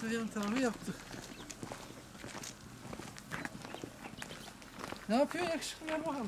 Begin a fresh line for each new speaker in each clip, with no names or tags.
yan tarafı yaptık. Ne yapıyorsun yakışıklı, gel bakalım.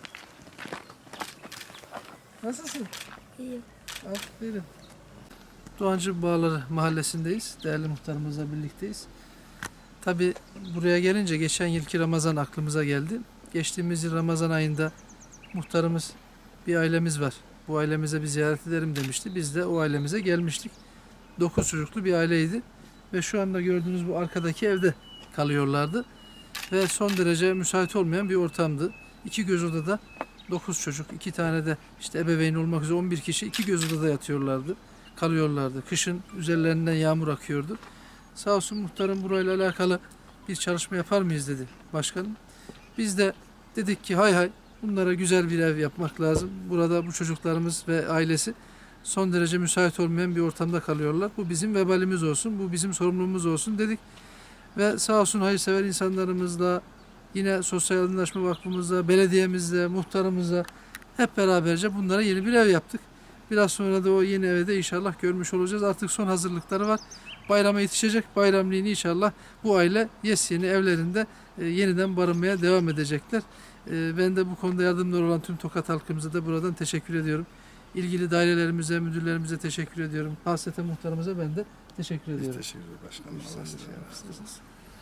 Nasılsın?
İyiyim.
Aferin. Doğancı Bağları mahallesindeyiz. Değerli muhtarımızla birlikteyiz. Tabi buraya gelince geçen yılki Ramazan aklımıza geldi. Geçtiğimiz yıl Ramazan ayında muhtarımız, bir ailemiz var, bu ailemize bir ziyaret edelim demişti. Biz de o ailemize gelmiştik. 9 çocuklu bir aileydi. Ve şu anda gördüğünüz bu arkadaki evde kalıyorlardı. Ve son derece müsait olmayan bir ortamdı. 2 göz odada 9 çocuk, 2 tane de işte ebeveyn olmak üzere 11 kişi 2 göz odada yatıyorlardı, kalıyorlardı. Kışın üzerlerinden yağmur akıyordu. Sağ olsun muhtarım burayla alakalı bir çalışma yapar mıyız dedi başkanım. Biz de dedik ki hay hay, bunlara güzel bir ev yapmak lazım. Burada bu çocuklarımız ve ailesi son derece müsait olmayan bir ortamda kalıyorlar. Bu bizim vebalimiz olsun, bu bizim sorumluluğumuz olsun dedik. Ve sağ olsun hayırsever insanlarımızla, yine Sosyal Yardımlaşma Vakfımızla, belediyemizle, muhtarımızla hep beraberce bunlara yeni bir ev yaptık. Biraz sonra da o yeni eve de inşallah görmüş olacağız. Artık son hazırlıkları var. Bayrama yetişecek. Bayramliğini inşallah bu aile yeni evlerinde yeniden barınmaya devam edecekler. Ben de bu konuda yardımcı olan tüm Tokat halkımıza da buradan teşekkür ediyorum. İlgili dairelerimize, müdürlerimize teşekkür ediyorum. Hasreten muhtarımıza ben de teşekkür ediyorum.
Teşekkür ederim başkanım. Allah razı olsun.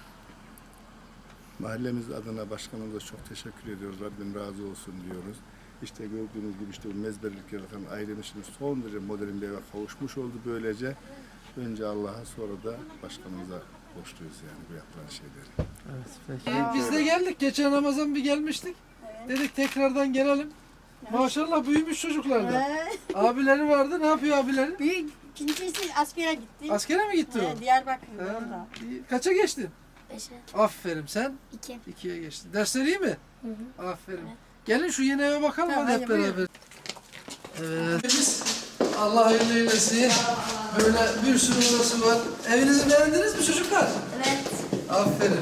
Mahallemiz adına başkanımıza çok teşekkür ediyoruz. Rabbim razı olsun diyoruz. İşte gördüğünüz gibi işte bu mezbellik yaratan ailemiz şimdi son derece modern bir eve kavuşmuş oldu böylece. Önce Allah'a sonra da başkanımıza borçluyuz yani bu yapılan şeyleri.
Evet, peki. Biz de geldik. Geçen Ramazan bir gelmiştik. Evet. Dedik tekrardan gelelim. Maşallah büyümüş çocuklar da. Abileri vardı. Ne yapıyor abileri?
Büyük ikincisi askere gitti.
Askere mi gitti o?
Diyarbakır'da
Ha,
orada.
iyi. Kaça geçtin?
5'e.
Aferin, sen?
2.
2'ye geçtin. Dersleri iyi mi?
Hı hı.
Aferin.
Evet.
Gelin şu yeni eve bakalım
Tamam,
hadi hep
hadi
beraber. Evet. Biz Allah hayırlı eylesin. Böyle bir sürü odası var. Evinizi beğendiniz mi çocuklar?
Evet.
Aferin.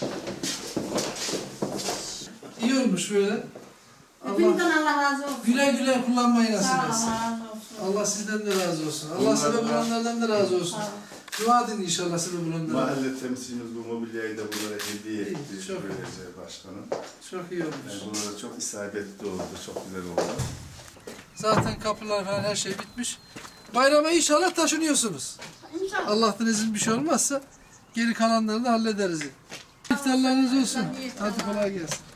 İyi olmuş böyle.
Hepinizden Allah razı olsun.
Güle güle kullanmayı nasip
Sağ ol,
etsin.
Allah razı olsun.
Allah sizden de razı olsun. Allah sebep olanlardan da razı olsun. Dua edin inşallah sebep olanlardan.
Mahalle temsilcimiz bu mobilyayı da bunlara hediye etti.
Çok
Böylece başkanım.
Çok iyi olmuş.
Yani bunlara çok isabetli oldu, çok güzel oldu.
Zaten kapılar falan her şey bitmiş. Bayrama inşallah taşınıyorsunuz.
İnşallah.
Allah'tan izin bir şey olmazsa geri kalanlarını hallederiz. İftarlarınız olsun. Hadi kolay gelsin.